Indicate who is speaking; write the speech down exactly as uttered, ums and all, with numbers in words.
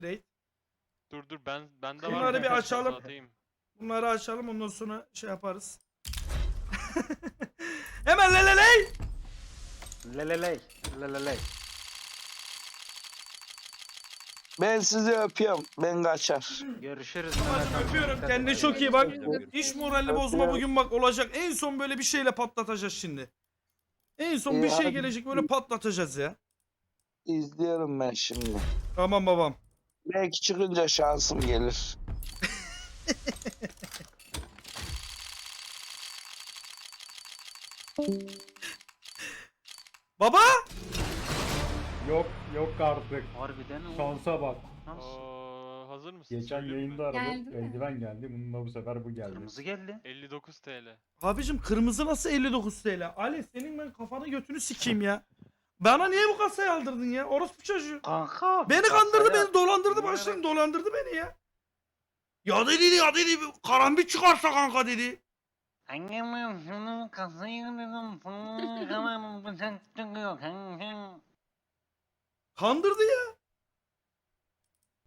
Speaker 1: Raid.
Speaker 2: Dur dur ben bende var.
Speaker 1: Bunları bir
Speaker 2: birkaç
Speaker 1: açalım.
Speaker 2: tane atayım.
Speaker 1: Bunları açalım ondan sonra şey yaparız. Hemen leleley.
Speaker 3: Leleley. Leleley.
Speaker 4: Ben sizi öpüyorum. Ben kaçar.
Speaker 3: Görüşürüz.
Speaker 1: Babacım
Speaker 3: Mehmet amca.
Speaker 1: öpüyorum.
Speaker 3: Dikkat
Speaker 1: Kendine
Speaker 3: et.
Speaker 1: çok iyi bak.
Speaker 5: Öpüyorum.
Speaker 1: İş moralini bozma
Speaker 4: Öpüyorum.
Speaker 1: bugün bak olacak. En son böyle bir şeyle patlatacağız şimdi. En son
Speaker 4: İyi,
Speaker 1: bir şey
Speaker 4: hadi.
Speaker 1: gelecek böyle patlatacağız ya.
Speaker 4: İzliyorum ben şimdi.
Speaker 1: Tamam babam.
Speaker 4: Belki çıkınca şansım gelir.
Speaker 1: Baba!
Speaker 5: Yok yok artık.
Speaker 3: Harbiden o.
Speaker 5: Şansa bak.
Speaker 3: Nasıl?
Speaker 2: Oo, hazır mısın?
Speaker 5: Geçen
Speaker 2: Söyleyeyim mi?
Speaker 5: yayında aradım.
Speaker 6: Geldi mi?
Speaker 5: Eldiven geldi. Bununla bu sefer bu geldi.
Speaker 3: Kırmızı geldi.
Speaker 2: elli dokuz TL.
Speaker 1: Abicim kırmızı nasıl elli dokuz T L? Ali senin ben kafanı götünü sikeyim ya. Bana niye bu kasayı aldırdın ya? Orospu çocuğu.
Speaker 3: Kanka.
Speaker 1: Beni kandırdı,
Speaker 3: kasaya-
Speaker 1: beni dolandırdı,
Speaker 3: Bilmiyorum.
Speaker 1: başlarım dolandırdı beni ya. Ya dedi ya dedi karambit çıkarsa kanka dedi.
Speaker 3: Annem şunu kasayı dedim. Tamam bıçak çıkıyor kanka.
Speaker 1: Kandırdı ya.